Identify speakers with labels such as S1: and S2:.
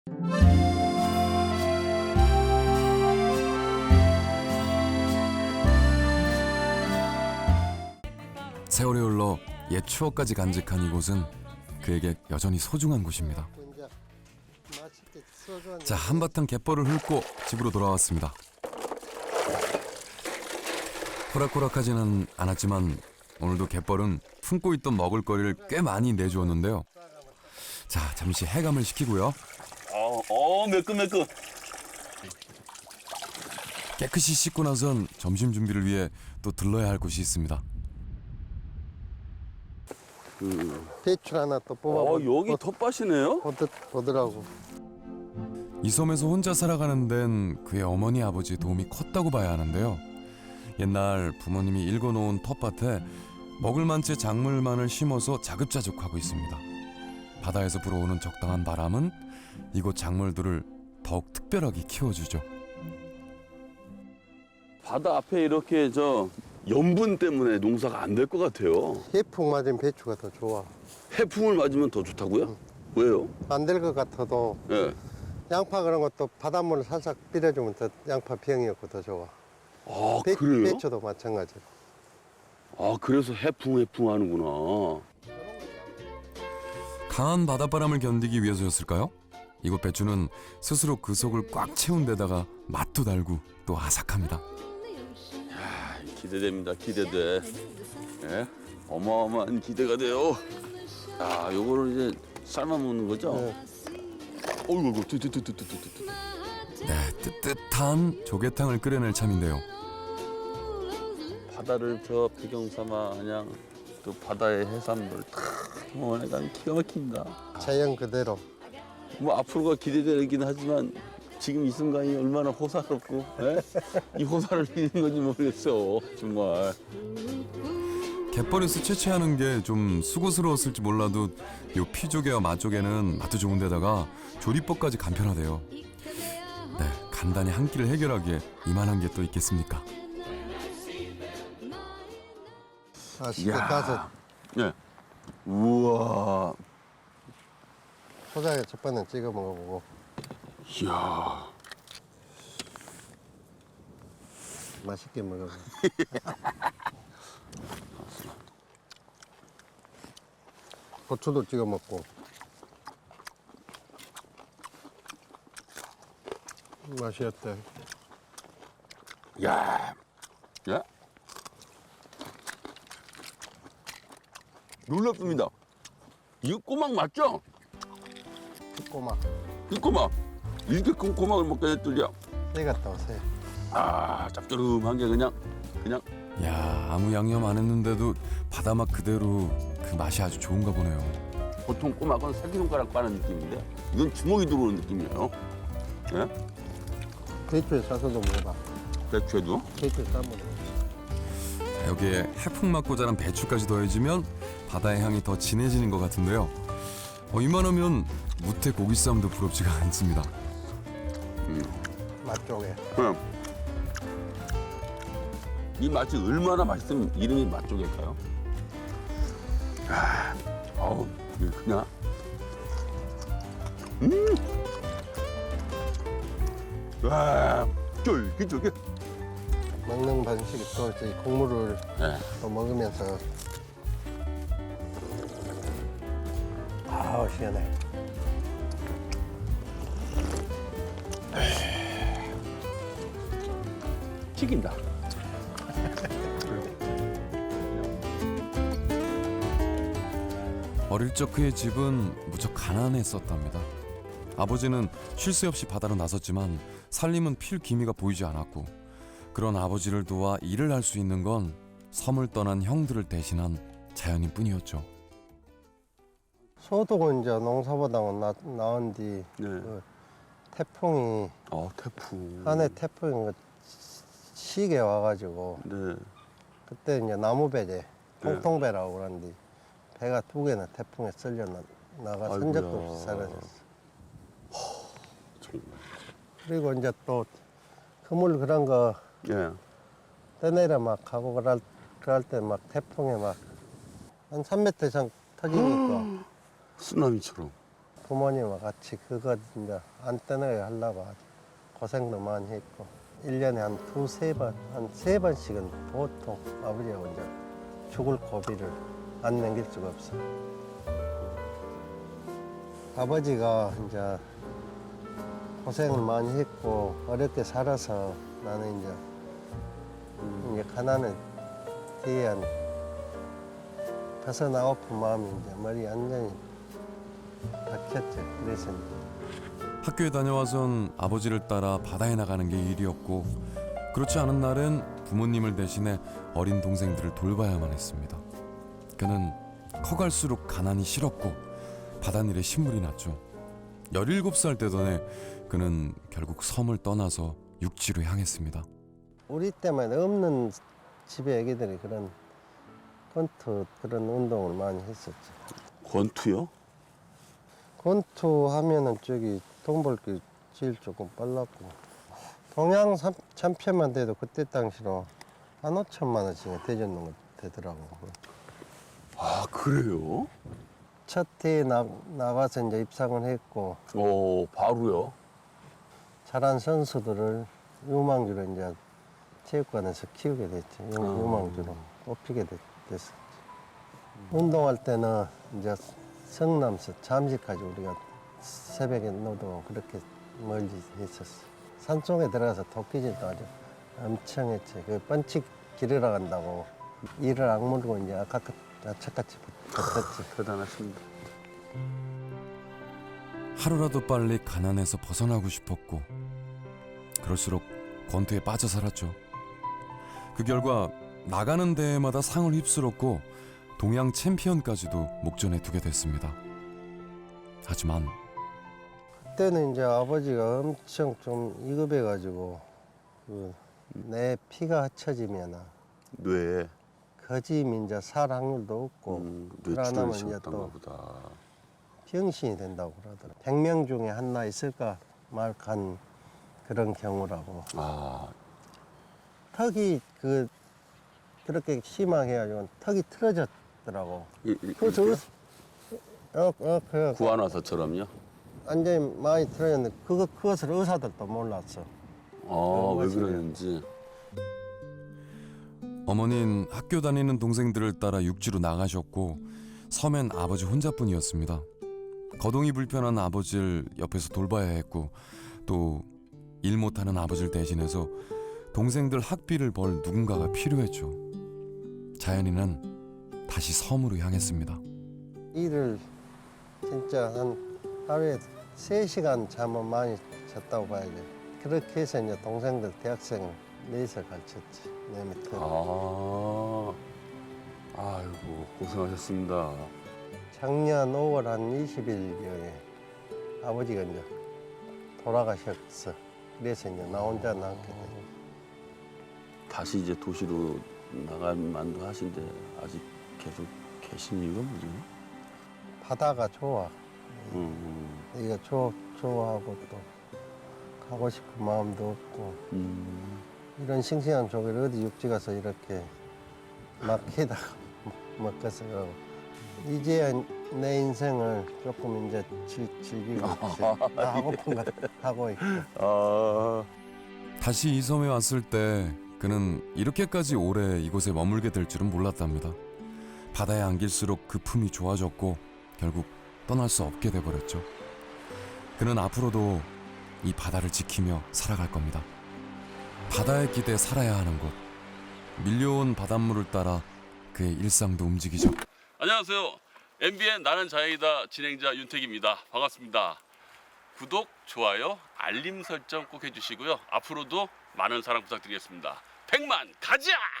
S1: 세월이 흘러 옛 추억까지 간직한 이곳은 그에게 여전히 소중한 곳입니다. 자, 한바탕 갯벌을 훑고 집으로 돌아왔습니다. 호락호락하지는 않았지만 오늘도 갯벌은 품고 있던 먹을거리를 꽤 많이 내주었는데요. 자, 잠시 해감을 시키고요.
S2: 매끈매끈.
S1: 깨끗이 씻고 나선 점심 준비를 위해 또 들러야 할 곳이 있습니다.
S3: 배추 하나 또 뽑아.
S2: 여기 텃밭이네요?
S3: 보더라고.
S1: 이 섬에서 혼자 살아가는 데는 그의 어머니 아버지 도움이 컸다고 봐야 하는데요. 옛날 부모님이 일궈놓은 텃밭에 먹을 만치 작물만을 심어서 자급자족하고 있습니다. 바다에서 불어오는 적당한 바람은 이곳 작물들을 더욱 특별하게 키워주죠.
S2: 바다 앞에 이렇게 염분 때문에 농사가 안 될 것 같아요.
S3: 해풍 맞은 배추가 더 좋아.
S2: 해풍을 맞으면 더 좋다고요? 왜요?
S3: 안 될 것 같아도
S2: 예.
S3: 양파 그런 것도 바닷물을 살짝 뿌려주면 더 양파 병이 없고 더 좋아.
S2: 그래요?
S3: 배추도 마찬가지로.
S2: 그래서 해풍 하는구나.
S1: 강한 바닷바람을 견디기 위해서였을까요? 이곳 배추는 스스로 그 속을 꽉 채운 데다가 맛도 달고 또 아삭합니다.
S2: 기대됩니다. 기대돼. 예? 어마어마한 기대가 돼요. 요거를 이제 삶아 먹는 거죠?
S3: 네.
S2: 어이구,
S1: 네, 뜨뜻한 조개탕을 끓여낼 참인데요.
S2: 바다를 배경 삼아 그냥 또 바다의 해산물 탁 먹으니까 기가 막힙니다.
S3: 자연 그대로.
S2: 뭐 앞으로가 기대되긴 하지만 지금 이 순간이 얼마나 호사롭고 이 호사를 이기는 건지 모르겠어 정말.
S1: 갯벌에서 채취하는 게 좀 수고스러웠을지 몰라도 요 피조개와 맛조개는 맛도 좋은데다가 조리법까지 간편하대요. 네, 간단히 한 끼를 해결하기에 이만한 게 또 있겠습니까?
S3: 맛있게 가서
S2: 네. 우와.
S3: 포장에 첫 번째 찍어 먹어보고.
S2: 이야.
S3: 맛있게 먹어봐. 고추도 찍어 먹고. 맛이 어때?
S2: 야. 야. 놀랍습니다. 이거 꼬막 맞죠?
S3: 꼬막.
S2: 이 꼬막. 이렇게 큰 꼬막을 먹게 됐더니
S3: 새 같다, 새.
S2: 짭조름한 게 그냥.
S1: 야, 아무 양념 안 했는데도 바다맛 그대로 그 맛이 아주 좋은가 보네요.
S2: 보통 꼬막은 새끼손가락 빠는 느낌인데 이건 주먹이 들어오는 느낌이에요. 예?
S3: 배추에 싸서도 먹어봐.
S2: 배추에도.
S3: 배추에 싸 먹어.
S1: 여기에 해풍맞고 자란 배추까지 더해지면 바다의 향이 더 진해지는 것 같은데요. 이만하면 무태 고기쌈도 부럽지가 않습니다.
S3: 맛조개.
S2: 이 맛이 얼마나 맛있으면 이름이 맛조개일까요? 이게 그냥. 와, 쫄깃쫄깃.
S3: 먹는 방식이 또 이제 국물을
S2: 네.
S3: 또 먹으면서. 아우, 시원해.
S2: 튀긴다.
S1: 어릴 적 그의 집은 무척 가난했었답니다. 아버지는 쉴 새 없이 바다로 나섰지만 살림은 필 기미가 보이지 않았고 그런 아버지를 도와 일을 할 수 있는 건 섬을 떠난 형들을 대신한 자연인 뿐이었죠.
S3: 소독은 이제 농사보다는 나온 뒤
S2: 네.
S3: 태풍이
S2: 태풍.
S3: 한해 태풍이 시게 와가지고
S2: 네.
S3: 그때 이제 나무배제 통통배라고 그러는데 배가 2개나 태풍에 쓸려 나가 산 적도 없이 사라졌어.
S2: 정말.
S3: 그리고 이제 또 그물 그런 거
S2: 예.
S3: 떠내려 막 가고 그럴 때 막 태풍에 막 한 3m 이상 터지니까
S2: 쓰나미처럼.
S3: 부모님과 같이 그거 이제 안 떠나게 하려고 고생도 많이 했고 1년에 한 두세 번, 한 세 번씩은 보통 아버지하고 이제 죽을 고비를 안 넘길 수가 없어. 아버지가 이제 고생을 많이 했고 어렵게 살아서 나는 이제 가난에 대한 벗어나고픈 마음이 이제 머리에 완전히 박혔죠. 그래서 이제
S1: 학교에 다녀와선 아버지를 따라 바다에 나가는 게 일이었고 그렇지 않은 날은 부모님을 대신해 어린 동생들을 돌봐야만 했습니다. 그는 커갈수록 가난이 싫었고 바닷일에 신물이 났죠. 17살 되던 해 그는 결국 섬을 떠나서 육지로 향했습니다.
S3: 우리 때만 없는 집에 애기들이 그런 권투 그런 운동을 많이 했었죠.
S2: 권투요?
S3: 권투 하면은 저기 돈 벌 게 제일 조금 빨랐고 동양 챔피언만 돼도 그때 당시로 한 5천만 원씩 대줬는 거 되더라고.
S2: 아 그래요?
S3: 첫 해에 나가서 이제 입상을 했고
S2: 오 바로요?
S3: 잘한 선수들을 유망주로 이제 체육관에서 키우게 됐죠. 유망주로 뽑히게 됐었지. 운동할 때는 이제 성남서 잠시까지 우리가 새벽에 노동 그렇게 멀리 했었어. 산속에 들어가서 도끼질도 아주 엄청 했지. 그 펀치 기르러 간다고 이를 악물고 이제 악착같이 붙었지.
S2: 대단하십니다.
S1: 하루라도 빨리 가난에서 벗어나고 싶었고 그럴수록 권투에 빠져 살았죠. 그 결과 나가는 대회마다 상을 휩쓸었고 동양 챔피언까지도 목전에 두게 됐습니다. 하지만
S3: 그때는 이제 아버지가 엄청 좀 위급해가지고 내 피가 합쳐지면
S2: 뇌에
S3: 거짐 이제 살 확률도 없고 그러나면 이제
S2: 뇌출혈이셨던가
S3: 또
S2: 보다.
S3: 병신이 된다고 그러더라고. 100명 중에 하나 있을까 말간 그런 경우라고.
S2: 아
S3: 턱이 그렇게 심하게 해가지고 턱이 틀어졌더라고. 그래서 그
S2: 구안화사처럼요?
S3: 완전히 많이 틀어졌는데 그것을 의사들도 몰랐어.
S2: 아왜 그러는지.
S1: 어머니는 학교 다니는 동생들을 따라 육지로 나가셨고 섬엔 아버지 혼자뿐이었습니다. 거동이 불편한 아버지를 옆에서 돌봐야 했고 또 일 못하는 아버지를 대신해서 동생들 학비를 벌 누군가가 필요했죠. 자연이는 다시 섬으로 향했습니다.
S3: 일을 진짜 한 하루에 3시간 잠은 많이 잤다고 봐야지. 그렇게 해서 이제 동생들 대학생을 넷을 가르쳤지. 내 밑에.
S2: 아이고 고생하셨습니다.
S3: 작년 5월 한 20일경에 아버지가 이제 돌아가셨어. 그래서 이제 나 혼자 남게 돼.
S2: 다시 이제 도시로 나갈 만도 하신데 아직 계속 계신 이유가 뭐죠?
S3: 바다가 좋아. 이거 좋아하고 또 가고 싶은 마음도 없고 이런 싱싱한 조개를 어디 육지 가서 이렇게 막히다가 먹겠어. 이제야 내 인생을 조금 이제 즐기고 있지. 나 하고픈 거 하고 있고.
S1: 다시 이 섬에 왔을 때 그는 이렇게까지 오래 이곳에 머물게 될 줄은 몰랐답니다. 바다에 안길수록 그 품이 좋아졌고 결국 떠날 수 없게 돼버렸죠. 그는 앞으로도 이 바다를 지키며 살아갈 겁니다. 바다에 기대 살아야 하는 곳. 밀려온 바닷물을 따라 그의 일상도 움직이죠.
S2: 안녕하세요. MBN 나는 자연이다 진행자 윤택입니다. 반갑습니다. 구독, 좋아요, 알림 설정 꼭 해주시고요. 앞으로도 많은 사랑 부탁드리겠습니다. 100만 가자!